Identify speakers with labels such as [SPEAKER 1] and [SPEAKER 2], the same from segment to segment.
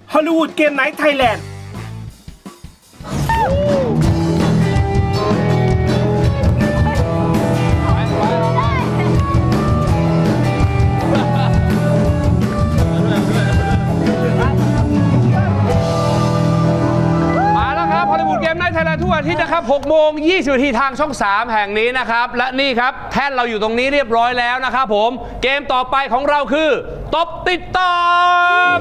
[SPEAKER 1] ฮอลลีวูดเกมไนท์ไทยแลนด์
[SPEAKER 2] ทุกอาทิตย์นะครับ6 โมง 20 นาทีทางช่อง 3 แห่งนี้นะครับและนี่ครับแท่นเราอยู่ตรงนี้เรียบร้อยแล้วนะครับผมเกมต่อไปของเราคือตบติดตอบ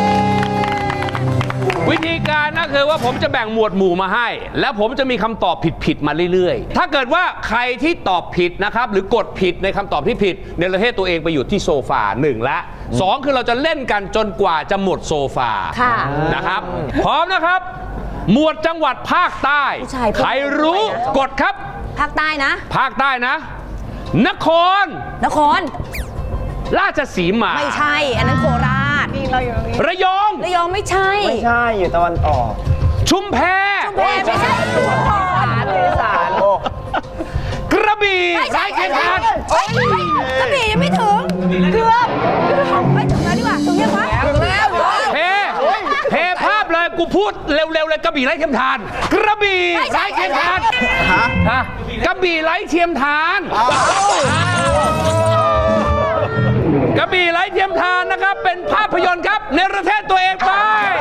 [SPEAKER 2] วิธีการก็คือว่าผมจะแบ่งหมวดหมู่มาให้แล้วผมจะมีคำตอบผิดๆมาเรื่อยๆถ้าเกิดว่าใครที่ตอบผิดนะครับหรือกดผิดในคำตอบที่ผิดเนรเทศตัวเองไปอยู่ที่โซฟา1และ2คือเราจะเล่นกันจนกว่าจะหมดโซฟานะครับพร้อมนะครับหมวดจังหวัดภาคใต้ใครรู้กดครับ
[SPEAKER 3] ภาคใต้นะ
[SPEAKER 2] ภาคใต้นะนครราชสีมา
[SPEAKER 3] ไม่ใช่อันนั้นโคราช
[SPEAKER 2] ระยอง
[SPEAKER 3] ไม่ใช่
[SPEAKER 4] อยู่ตะวันออก
[SPEAKER 2] ชุมแพ
[SPEAKER 3] ไม่ใช่
[SPEAKER 4] สาร
[SPEAKER 2] กระบี่ไร้เทียมทาน
[SPEAKER 3] กระบี่ยังไม่ถึงเกือบไม่ถึงแล้วดีกว่าถึงยังวะถึงแล้ว
[SPEAKER 2] เพภาพเลยกูพูดเร็วๆเลยกระบี่ไร้เทียมทานกระบี่ไร้เทียมทานกระบี่ไร้เทียมทานกระบี่ไร้เทียมทานนะครับเป็นภาพยนตร์ครับเนรเทศตัวเองไป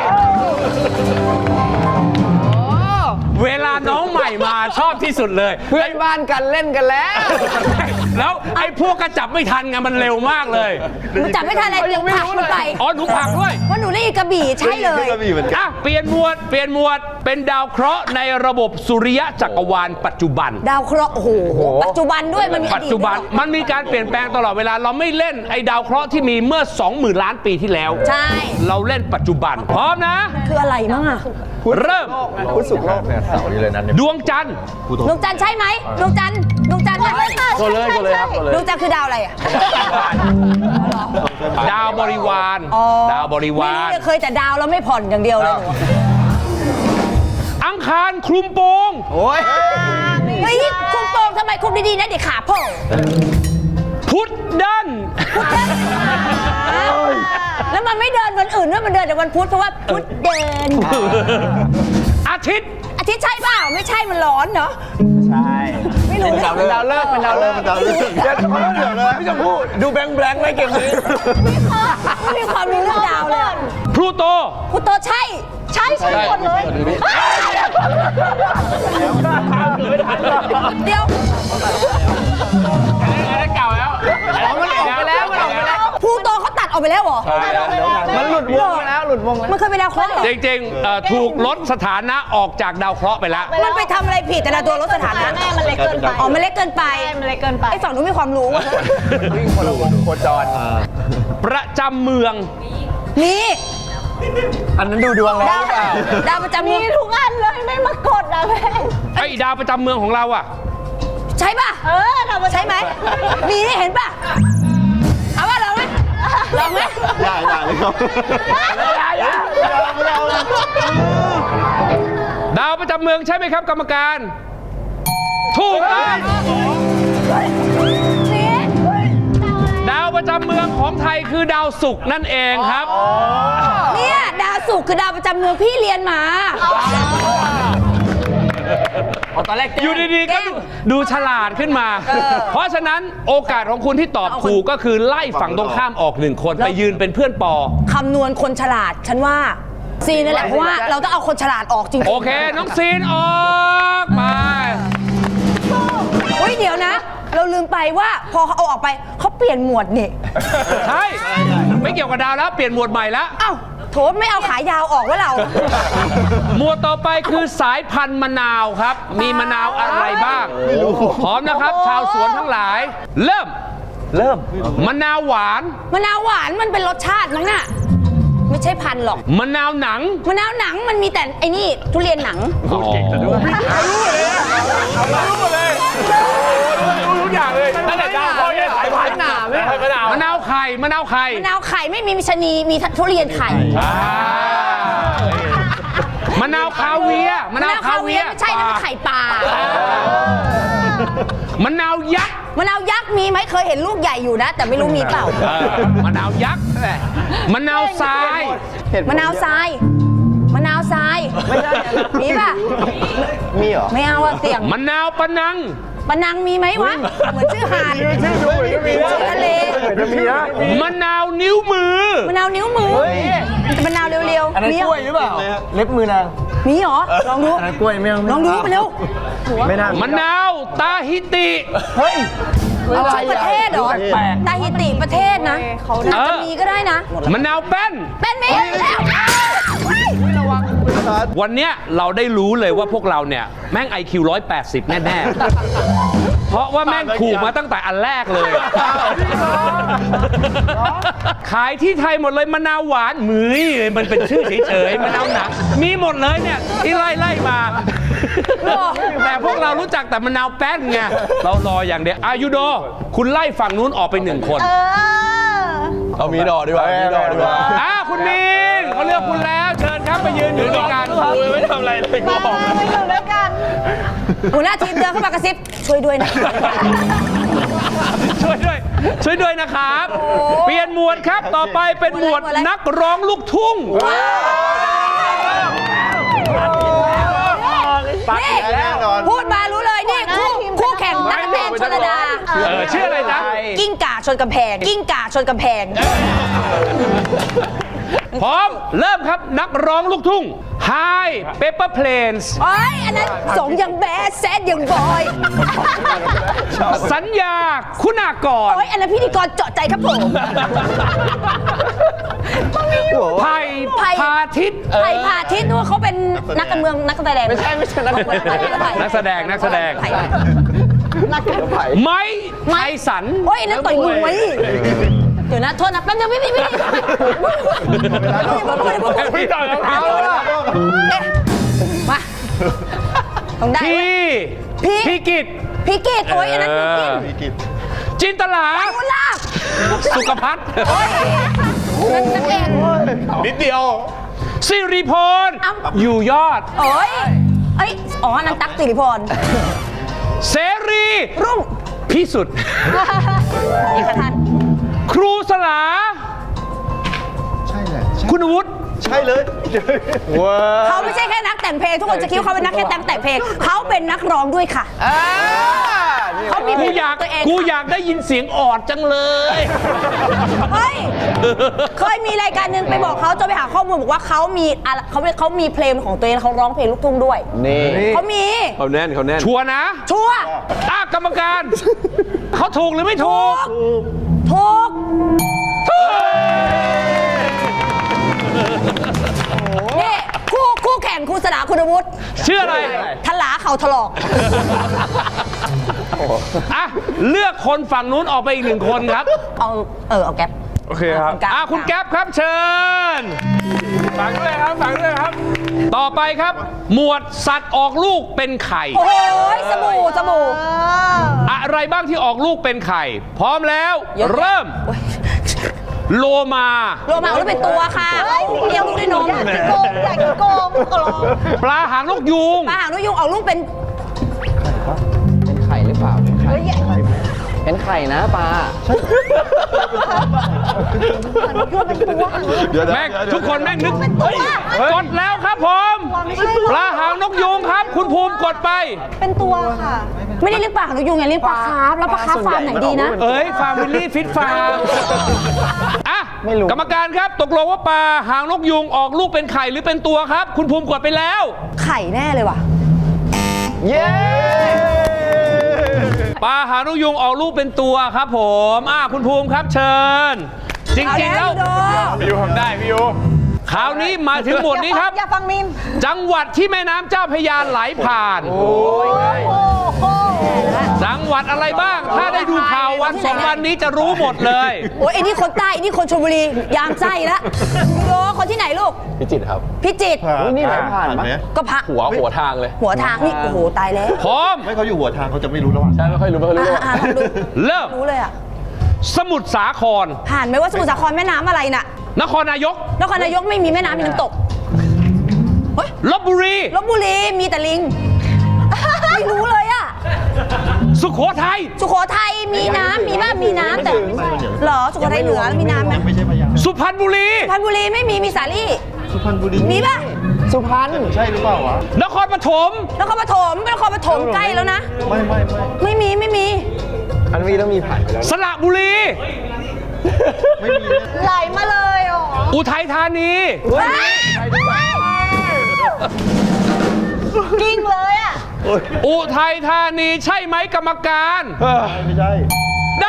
[SPEAKER 2] เวลาน้องใหม่มาชอบที่สุดเลย
[SPEAKER 4] เพื่อนบ้านกันเล่นกันแล้ว
[SPEAKER 2] ไอ้พวกก็จับไม่ทันไงมันเร็วมากเลย
[SPEAKER 3] หนูจับไม่ทันอะไรหนูผลักมันไป
[SPEAKER 2] อ๋อหนูผลักด้วย
[SPEAKER 3] ว่าหนูเล่นกระบี่ใช่เลย
[SPEAKER 2] อ่ะเปลี่ยนหมวดเป็นดาวเคราะห์ในระบบสุริยะจักรวาลปัจจุบัน
[SPEAKER 3] ดาวเคราะห์โอ้โหปัจจุบันด้วยมันมี
[SPEAKER 2] ปัจจุบันมันมีการเปลี่ยนแปลงตลอดเวลาเราไม่เล่นไอ้ดาวเคราะห์ที่มีเมื่อ 20,000 ล้านปีที่แล้ว
[SPEAKER 3] ใช่
[SPEAKER 2] เราเล่นปัจจุบันพร้อมนะ
[SPEAKER 3] คืออะไรมั่งอะ
[SPEAKER 2] เริ่ม
[SPEAKER 4] พุธศุกร์โลกเนี่ยเสาร์นี้เลยนะ
[SPEAKER 2] ดวงจันทร์
[SPEAKER 3] ใช่ไหมดวงจันทร์ใช่ไหม
[SPEAKER 4] ก็เลยครับ
[SPEAKER 3] ดวงจันทร์คือดาวอะไรอะ
[SPEAKER 2] ดาวบริวารดาวบริวาร
[SPEAKER 3] เคยแต่ดาวแล้วไม่ผ่อนอย่างเดียวเลย
[SPEAKER 2] อังคารคลุมโปง
[SPEAKER 4] โอ้ย
[SPEAKER 3] เฮ้ยคลุมโปงทำไมคลุมดีๆนะเดี๋ยวขาโผล่
[SPEAKER 2] พุธดัน
[SPEAKER 3] แล้วมันไม่เดินวันอื่นด้วยมันเดินแต่วันพุธเพราะว่าพุธเดิน
[SPEAKER 2] อาทิตย์
[SPEAKER 3] ใช่เปล่าไม่ใช่มันร้อนเนาะ
[SPEAKER 4] ใช่
[SPEAKER 3] ไม่รู้
[SPEAKER 4] เป็นดาวเลิกเดี๋ยวเลยพี่ชมพู่ดูแบงค์ไม่เก่งนี้
[SPEAKER 3] ไม่มีความรู้เรื่องดาวเลย
[SPEAKER 2] พลูโต
[SPEAKER 3] ใช่หมดเลยเดี๋ยว
[SPEAKER 2] เก่าแล้ว
[SPEAKER 4] มันออกไปแล้ว
[SPEAKER 3] พลูโตเขาตัดออกไปแล้วเหรอ
[SPEAKER 4] มันหลุดวงแล้ว
[SPEAKER 3] มันเคยเป็นดาวเคราะห์
[SPEAKER 2] จริงๆถูกลดสถานะออกจากดาวเคราะห์ไปแล้ว
[SPEAKER 3] มันไปทำอะไรผิดแต่ละตัวลดสถานะ
[SPEAKER 5] แม่มันเล็กเกินไป
[SPEAKER 3] มันเล็กเกินไปไอ้ฝั่งนู้นมีความรู้
[SPEAKER 4] วิ่งคนละวงโคจร
[SPEAKER 2] ประจำเมือง
[SPEAKER 3] นี่
[SPEAKER 4] อันนั้นดูดวงแล้ว
[SPEAKER 3] ดาวประจำเมือง
[SPEAKER 5] ทุกอันเลยไม่มากดนะแม่
[SPEAKER 2] ไอ้ดาวประจำเมืองของเราอะ
[SPEAKER 3] ใช่ป่ะใช่ไหมมีเห็นป่ะเอาว่าลองไหมได้
[SPEAKER 4] เลยครับ
[SPEAKER 2] ดาวประจำเมืองใช่ไหมครับกรรมการถูกต้องดาวประจำเมืองของไทยคือดาวศุกร์นั่นเองครับ
[SPEAKER 3] เนี่ยดาวศุกร์คือดาวประจำเมืองพี่เรียนมา
[SPEAKER 4] ตอนแรก
[SPEAKER 2] อยู่ดีๆก็ดูฉลาดขึ้นมาเพราะฉะนั้นโอกาสของคุณที่ตอบถูกก็คือไล่ฝั่งตรงข้ามออก1 คนไปยืนเป็นเพื่อนปอ
[SPEAKER 3] คำนวณคนฉลาดฉันว่าซีนนั่นแหละเพราะว่าเราต้องเอาคนฉลาดออกจริง
[SPEAKER 2] โอเคน้องซีนออกไป
[SPEAKER 3] เดี๋ยวนะเราลืมไปว่าพอเขาเอาออกไปเขาเปลี่ยนหมวดนี่
[SPEAKER 2] ใช่ไม่เกี่ยวกับดาวแล้วเปลี่ยนหมวดใหม่แล้ว
[SPEAKER 3] อ้าวโถไม่เอาขายาวออกว่าเรา
[SPEAKER 2] หมวดต่อไปคือสายพันธุ์มะนาวครับมีมะนาวอะไรบ้างพร้อมนะครับชาวสวนทั้งหลายเริ่มมะนาวหวาน
[SPEAKER 3] มันเป็นรสชาติมั้งน่ะไม่ใช่พันธุ์หรอก
[SPEAKER 2] มะนาวหนัง
[SPEAKER 3] มันมีแต่ไอ้นี่ทุเรียนหนัง
[SPEAKER 2] เก่งแต่ด้วยรู้เลยทุกอย่างเลยตั้งแต่ดาวพ่อเนี่ยสายพันธุ์หนามมะนาวไข่
[SPEAKER 3] ไม่มีชะนีมีทุเรียนไข่
[SPEAKER 2] มะนาวคาเวีย
[SPEAKER 3] ไม่ใช่นะมันไข่ปลาม
[SPEAKER 2] ะนาวยักษ์
[SPEAKER 3] มะนาวยักษ์มีไหมเคยเห็นลูกใหญ่อยู่นะ แต่ไม่รู้มีเปล่า
[SPEAKER 2] มะนาวยักษ์มะนาวทราย
[SPEAKER 3] มะนาวทรายมะนาวทรายมีป่ะ
[SPEAKER 4] มีเหรอ
[SPEAKER 3] ไม่เอาอะเสี่ยง
[SPEAKER 2] มะนาวปะนัง
[SPEAKER 3] ปะนังมีไหมวะเหมือนชื่อหาดชื่อทะเล
[SPEAKER 4] จะมีนะ
[SPEAKER 2] มะนาวนิ้วมือ
[SPEAKER 3] มะนาวนิ้วมือมะนาวเร็ว
[SPEAKER 4] อันนั้น
[SPEAKER 3] มี
[SPEAKER 4] กล้วยหรือเปล่าเล็บมือนาง
[SPEAKER 3] มีเหรอลองดู
[SPEAKER 4] อันนั้นกล้วยไม่เอา
[SPEAKER 3] ลองดูไปเร็ว
[SPEAKER 4] ไม่น่าม
[SPEAKER 2] ะนาวตาฮิติ
[SPEAKER 4] เฮ้ย
[SPEAKER 3] ชื่อประเทศเหรอตาฮิติประเทศนะอาจจะมีก็ได้นะ
[SPEAKER 2] มะนาวแป้น
[SPEAKER 3] เป็นมีแล้ว
[SPEAKER 2] วันเนี้ยเราได้รู้เลยว่าพวกเราเนี่ยแม่ง IQ 180 แน่ๆ เพราะว่าแม่งถูกมาตั้งแต่อันแรกเลย ขายที่ไทยหมดเลยมะนาวหวานมือมันเป็นชื่อเฉยๆมะนาวหนักมีหมดเลยเนี่ยที่ไล่มา แต่พวกเรารู้จักแต่มะนาวแป้นไงเรารออย่างเดียวอายุโด คุณไล่ฝั่งนู้นออกไป1 คน
[SPEAKER 4] เอามีดอกดีกว่ามีดอกดีกว่า
[SPEAKER 2] คุณมีนเขาเลือกคุณแล้วเชิญครับไปยืนอยู่ด้วยกันไม่ทำอะไรเลย
[SPEAKER 5] มาอยู่ด้วยกัน
[SPEAKER 3] หัวหน้าทีมเดินเข้ามากระซิบช่วยด้วยนะ
[SPEAKER 2] ช่วยด้วยนะครับ เปลี่ยนหมวดครับต่อไปเป็นหมวดนักร้องลูกทุ่ง
[SPEAKER 3] นี่พูดมารู้เลยนี่คู่แข่งนักแสดงชลดา
[SPEAKER 2] ชื่ออะไรนะ
[SPEAKER 3] กิ้งก่าชนกำแพงกิ้งก่าชนกำแพง
[SPEAKER 2] พร้อมเริ่มครับนักร้องลูกทุ่ง Hi Pepper Planes
[SPEAKER 3] โอ้ยอันนั้นสงยังแบดแซดยังบอย
[SPEAKER 2] สัญญาคุณากร
[SPEAKER 3] โอ้ยอันนั้นพิธีกรเจาะใจครับผม
[SPEAKER 2] ไผ่พาทิตย์
[SPEAKER 3] ไผ่พาทิตย์นู้นเขาเป็นนักการเมืองนักแสดงไม่ใช่นักแสดง
[SPEAKER 2] นักแสดง ไม้ไทสัน
[SPEAKER 3] โอ้ยอันนั้นต่อยมวยเดี๋ยวนะโทษนะแป๊บนึงพี่
[SPEAKER 2] พี่ต่อยกับเขา
[SPEAKER 3] มาต้องได้
[SPEAKER 2] พี่กิต
[SPEAKER 3] พี่กิตโอ้ยอันนั้นพี่กิต
[SPEAKER 2] จินตลา
[SPEAKER 3] กุลาบ
[SPEAKER 2] สุขพัฒน์
[SPEAKER 3] โอ้ยนั่นนักเอก
[SPEAKER 4] นิดเดียว
[SPEAKER 2] สิริพรอยู่ยอด
[SPEAKER 3] โอ้ยเอ้ยอ๋ออันนั้นตั๊กสิริพร
[SPEAKER 2] เสรี
[SPEAKER 3] รุ่ง
[SPEAKER 2] พิสุทธิ์
[SPEAKER 3] เอกทัน
[SPEAKER 2] ครูสลา
[SPEAKER 4] ใช่แหละ
[SPEAKER 2] คุณวุฒิ
[SPEAKER 4] ใช่เลยว้า
[SPEAKER 3] เขาไม่ใช่แค่นักแต่งเพลงทุกคนจะคิดว่าเขาเป็นนักแค่แต่งเพลงเขาเป็นนักร้องด้วยค่ะเขามีเพล
[SPEAKER 2] กู
[SPEAKER 3] ง
[SPEAKER 2] อยาก
[SPEAKER 3] ตัวเอง
[SPEAKER 2] กูอยากได้ยินเสียงออดจังเลย
[SPEAKER 3] เฮ้ยเคยมีรายการหนึ่งไปบอกเขาจะไปหาข้อมูลบอกว่าเขามีเขามีเพลงของตัวเองเขาร้องเพลงลูกทุ่งด้วย
[SPEAKER 4] นี่
[SPEAKER 3] เขามี
[SPEAKER 4] เขาแน่น
[SPEAKER 2] ชัวร์นะ
[SPEAKER 3] ชัวร์
[SPEAKER 2] กรรมการ เขาถูกหรือไม่ถูก
[SPEAKER 3] ถูกนี่คู่แข่งครูสลาคุณวุฒิ
[SPEAKER 2] ชื่ออะไร
[SPEAKER 3] ทลาเข่าถลอก
[SPEAKER 2] เลือกคนฝั่งนู้นออกไปอีก1 คนครับ
[SPEAKER 3] เอาแก๊ป
[SPEAKER 4] โอเคครับ
[SPEAKER 2] คุณแก๊ปครับเชิญฝังด้วยครับ ต่อไปครับ หมวดสัตว์ออกลูกเป็นไข่
[SPEAKER 3] โอ้ยสบู่
[SPEAKER 2] อะไรบ้างที่ออกลูกเป็นไข่ พร้อมแล้ว เริ่ม โลมา
[SPEAKER 3] โลมาหรือเป็นตัวค่ะเลี้ยงลูกด้วยนม
[SPEAKER 5] อยากกินโกงขอร้อง
[SPEAKER 2] ปลาหางนกยูง
[SPEAKER 3] ปลาหางนกยูงออกลูกเป็น
[SPEAKER 6] เป็นไข่หรือเปล่า เป็นไข่นะปลา
[SPEAKER 2] แม่งทุกคนแม่งนึกกดแล้วครับผม ปลาหางนกยูงครับ คุณภูมิกดไป
[SPEAKER 5] เป็นตัวค่ะ
[SPEAKER 3] ไม่ได้เลี้ยงปลาหางนกยูงไงเลี้ยงปลาคาร์ฟแล้วปลาคาร์ฟฟาร์มไหนดีนะ
[SPEAKER 2] เอ้ยฟาร์มวิลลี่ฟิตฟาร์มกรรมการครับตกลงว่าปลาหางนกยูงออกลูกเป็นไข่หรือเป็นตัวครับ คุณภูมิกดไปแล้ว
[SPEAKER 3] ไข่แน่เลยว่ะ
[SPEAKER 4] เย้
[SPEAKER 2] ปลาหางนกยูงออกลูกเป็นตัวครับผมคุณภูมิครับเชิญ จริงๆแล้ว
[SPEAKER 4] พี่ยูทำได้พี่ยู
[SPEAKER 2] คราวนี้มาถึงหมวดนี้ครับ
[SPEAKER 5] อย่าฟังมิน
[SPEAKER 2] จังหวัดที่แม่น้ำเจ้าพระยาไหลผ่าน
[SPEAKER 5] โอ้โห
[SPEAKER 2] จังหวัดอะไรบ้าง ถ้าได้ดูข่าววัน2 วันนี้จะรู้หมดเลย
[SPEAKER 3] โอ้ยไอ้นี่คนใต้ไอ้นี่คนชลบุรียามไส้ละโยคนที่ไหนลูก
[SPEAKER 6] พิจิตรครับ
[SPEAKER 3] พิจิตร
[SPEAKER 6] นี่ไหลผ่านปะ
[SPEAKER 3] ก็พระ
[SPEAKER 6] หัวทางเลย
[SPEAKER 3] หัวทางนี่โอ้โหตายแล้ว
[SPEAKER 2] พร้อม
[SPEAKER 4] ไม่เขาอยู่หัวทางเขาจะไม่รู้ระหว่าง
[SPEAKER 6] ใช่ไม่ค่อยรู้
[SPEAKER 3] ลองดู
[SPEAKER 2] เริ่ม
[SPEAKER 3] รู้เลยอ่ะ
[SPEAKER 2] สมุทรสาคร
[SPEAKER 3] ผ่านไหมว่าสมุทรสาครแม่น้ำอะไรน่ะ
[SPEAKER 2] นครนายก
[SPEAKER 3] นครนายกไม่มีแม่น้ำมีน้ำตกเฮ้ย
[SPEAKER 2] ลบบุรี
[SPEAKER 3] ลพบุรีมีแต่ลิง ไม่รู้เลยอ่ะ
[SPEAKER 2] สสุโขทัย
[SPEAKER 3] สุโขทัยมีน้ำมีบ้างมีน้ำแต่เหรอสุโขทัยเหนือมีน้ำไหม
[SPEAKER 2] สุพรรณบุรี
[SPEAKER 3] สุพรรณบุรีไม่มีสาลี่
[SPEAKER 4] สุพรรณบุรี
[SPEAKER 3] มีป่ะ
[SPEAKER 6] สุพรรณ
[SPEAKER 4] ใช่หรือเปล่าวะ
[SPEAKER 2] นครปฐม
[SPEAKER 3] นครปฐมเป็นนครปฐมใกล้แล้วนะ ไม่มี
[SPEAKER 6] อันนี้ต้องมีผ่านไปแล้ว
[SPEAKER 2] สระบุรี
[SPEAKER 5] ไหลมาเลยอ๋อ
[SPEAKER 2] อุทัยธานี
[SPEAKER 5] กิ้งเลยอ่ะ
[SPEAKER 2] อุทัยธานีใช่ไหมกรรมการ
[SPEAKER 4] ไม่ใช่
[SPEAKER 2] ได้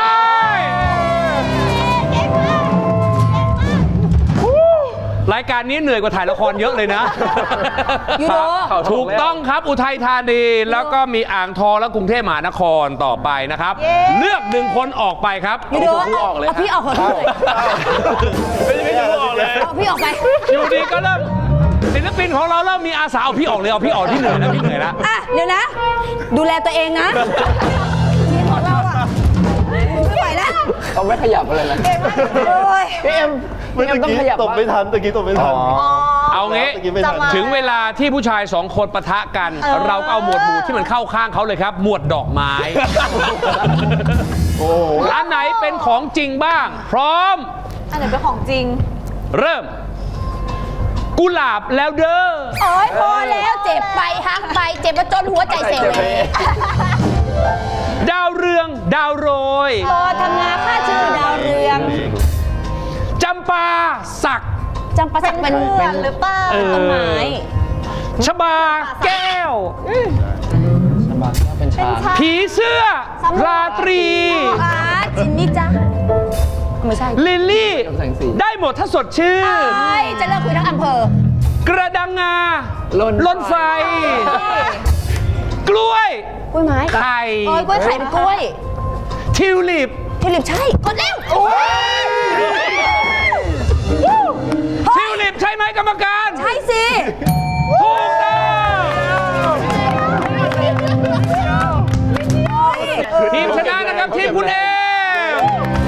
[SPEAKER 2] รายการนี้เหนื่อยกว่าถ่ายละครเยอะเลยนะ
[SPEAKER 3] ยูโร
[SPEAKER 2] ถูกต้องครับอุทัยธานีแล้วก็มีอ่างทองและกรุงเทพมหานครต่อไปนะครับ เลือกหนึ่งคนออกไปครับ
[SPEAKER 3] ยูโรเอาพี่ออกเถอะพี่เอาพี่ออกไป
[SPEAKER 2] อยู่ดีก็เริ่มศิลปินของเราเริ่มมีอาสาเอาพี่ออกเลยเอาพี่ออกที่เหนื่อยนะพี่เหนื่อยแล้ว
[SPEAKER 3] อ่ะเดี๋ยวนะ ดูแลตัวเองนะทีมของเราอ่ะไม่ไหวแล้ว
[SPEAKER 6] เขาไม่ขยับเลยนะ
[SPEAKER 3] โอ้ย
[SPEAKER 6] พี่เอ็ม
[SPEAKER 4] เมื่อกี้ตบไม่ทันตะกี้ตบไม่ทัน
[SPEAKER 2] เอางี้
[SPEAKER 4] ตะกี้ไม่ทัน
[SPEAKER 2] ถึงเวลาที่ผู้ชายสองคนปะทะกัน เราก็เอาหมวดหมู่ที่มันเข้าข้างเขาเลยครับ หมวดดอกไม้ อันไหนเป็นของจริงบ้าง พร้อม
[SPEAKER 5] อันไหนเป็นของจริง
[SPEAKER 2] เริ่ม กุหลาบแล้วเด้อ
[SPEAKER 3] โอ้ยพอแล้วเจ็บไปฮักไปเจ็บมาจนหัวใจเสียเลย
[SPEAKER 2] ดาวเรืองดาวโรย
[SPEAKER 3] พอทำงานค่าชื่อดาวเรือง
[SPEAKER 2] จำปาสัก
[SPEAKER 3] จำปาสักเป็น
[SPEAKER 5] เพื่อนหรือเปล่า
[SPEAKER 3] ต้นไม้
[SPEAKER 2] ชบาแก้ว
[SPEAKER 6] เป็นช้าง
[SPEAKER 2] ผีเสื้อ ราตรี
[SPEAKER 3] อาจินนี่จ้ะไม่ใช่
[SPEAKER 2] ลิลลี่
[SPEAKER 6] แสงสี
[SPEAKER 2] ได้หมดถ้าสดชื่น
[SPEAKER 3] ใช่จะเลิกคุยทั้งอำเภอ
[SPEAKER 2] กระดังงา
[SPEAKER 6] ลน
[SPEAKER 2] ไฟ กล้วย
[SPEAKER 3] กล้วยไม้
[SPEAKER 2] ไข่
[SPEAKER 3] โอ้ยกล้วยไข่เป็นกล้วย
[SPEAKER 2] ทิวลิป
[SPEAKER 3] ทิวลิปใช่กดเร็ว
[SPEAKER 2] ทิวลิปใช่ไหมกรรมการ
[SPEAKER 3] ใช่สิ
[SPEAKER 2] ถูกต้องทีมชนะนะครับทีมคุณเอม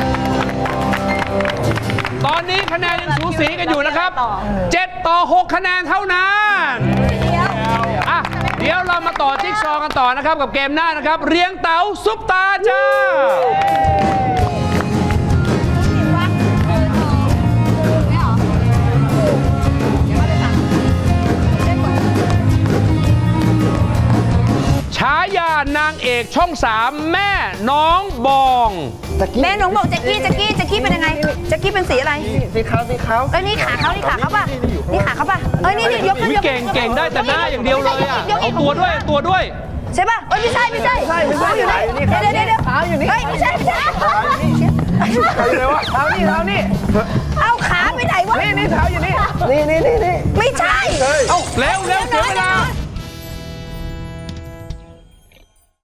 [SPEAKER 2] ตอนนี้คะแนนยังสูสีกันอยู่นะครับ 7 ต่อ 6 คะแนนเท่านั้นอ่ะเดี๋ยวเรามาต่อจิ๊กซอว์กันต่อนะครับกับเกมหน้านะครับ เรียงเต๋าซุปตาจ้า ฉายานางเอกช่อง 3 แม่น้องบอง
[SPEAKER 3] แม่หนงบอกแจ็กกี้เป็นยังไงแจ็กกี้เป็นสีอะไร
[SPEAKER 6] สีขาว
[SPEAKER 3] เอ้ยนี่ขาเขาป่ะนี่ขาเขาป่ะเอ้ยนี่ยกขึ้น
[SPEAKER 2] อุ๊ย
[SPEAKER 3] ยก
[SPEAKER 2] เก่งได้แต่หน้าอย่างเดียวเลยอ่ะเอาตัวด้วย
[SPEAKER 3] ใช่ป่ะเอ้ยไม่ใช่ขาอยู่ไหนเดี๋ยวขาอยู่นี่เฮ้ยไม่ใช่เอาขาไปไหนวะนี่เท้าอยู่นี่ไม่ใช่
[SPEAKER 2] เร็วเสียเวลา